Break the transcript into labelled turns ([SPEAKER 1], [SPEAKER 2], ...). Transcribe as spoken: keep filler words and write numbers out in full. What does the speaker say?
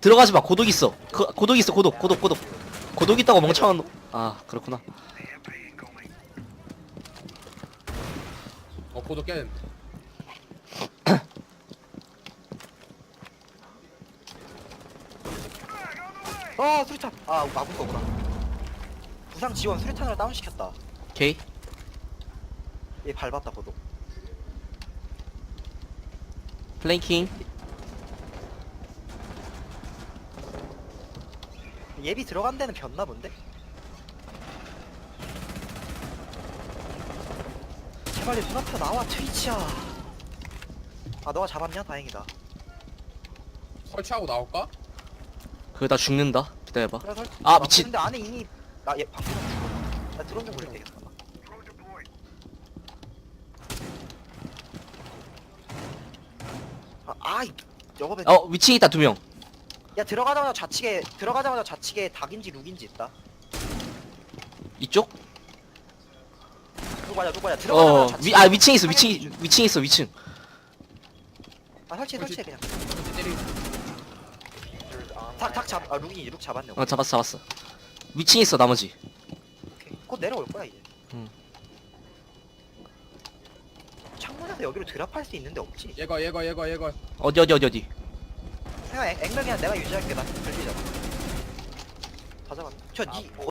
[SPEAKER 1] 들어가지 마. 고독 있어. 그, 고독 있어. 고독, 고독, 고독. 고독 있다고 멍청한 놈. 아, 그렇구나.
[SPEAKER 2] 어 고독 깨는.
[SPEAKER 3] 아 수리탄. 아 막은 거구나. 부상 지원 수리탄으로 다운 시켰다.
[SPEAKER 1] 오케이.
[SPEAKER 3] 얘 밟았다 고도.
[SPEAKER 1] 플랭킹.
[SPEAKER 3] 예비 들어간 데는 변나 본데? 제발 내 눈앞에 나와 트위치야. 아 너가 잡았냐? 다행이다.
[SPEAKER 2] 설치하고 나올까?
[SPEAKER 1] 그거 나 죽는다. 기다려봐.
[SPEAKER 3] 그래, 설치-
[SPEAKER 1] 아, 미친.
[SPEAKER 3] 근데 안에 이미 나얘 방금 죽었어. 나 드론 좀 굴리면 되겠다. 아, 아이 여거
[SPEAKER 1] 어, 위층 있다, 두 명.
[SPEAKER 3] 야 들어가자마자 좌측에 들어가자마자 좌측에 닭인지 룩인지 있다.
[SPEAKER 1] 이쪽?
[SPEAKER 3] 누구 맞아 누구 맞아 들어가자마자
[SPEAKER 1] 어,
[SPEAKER 3] 좌측에
[SPEAKER 1] 위, 아, 위층 있어,
[SPEAKER 3] 상향
[SPEAKER 1] 위층,
[SPEAKER 3] 기준.
[SPEAKER 1] 위층 있어, 위층.
[SPEAKER 3] 아 설치해 설치해 그냥.
[SPEAKER 2] 때리.
[SPEAKER 3] 닭닭잡아 룩이 룩 잡았네.
[SPEAKER 1] 어, 잡았어, 잡았어. 위층 있어, 나머지.
[SPEAKER 3] 오케이. 곧 내려올 거야 이제.
[SPEAKER 1] 응.
[SPEAKER 3] 창문에서 여기로 드랍할 수 있는데 없지.
[SPEAKER 2] 얘거 얘거 얘거 얘거.
[SPEAKER 1] 어디, 어디, 어디, 어디.
[SPEAKER 3] 생각 액- 액면 그냥 내가 유지할게. 나 걸리잖아. 다 잡았네. 저니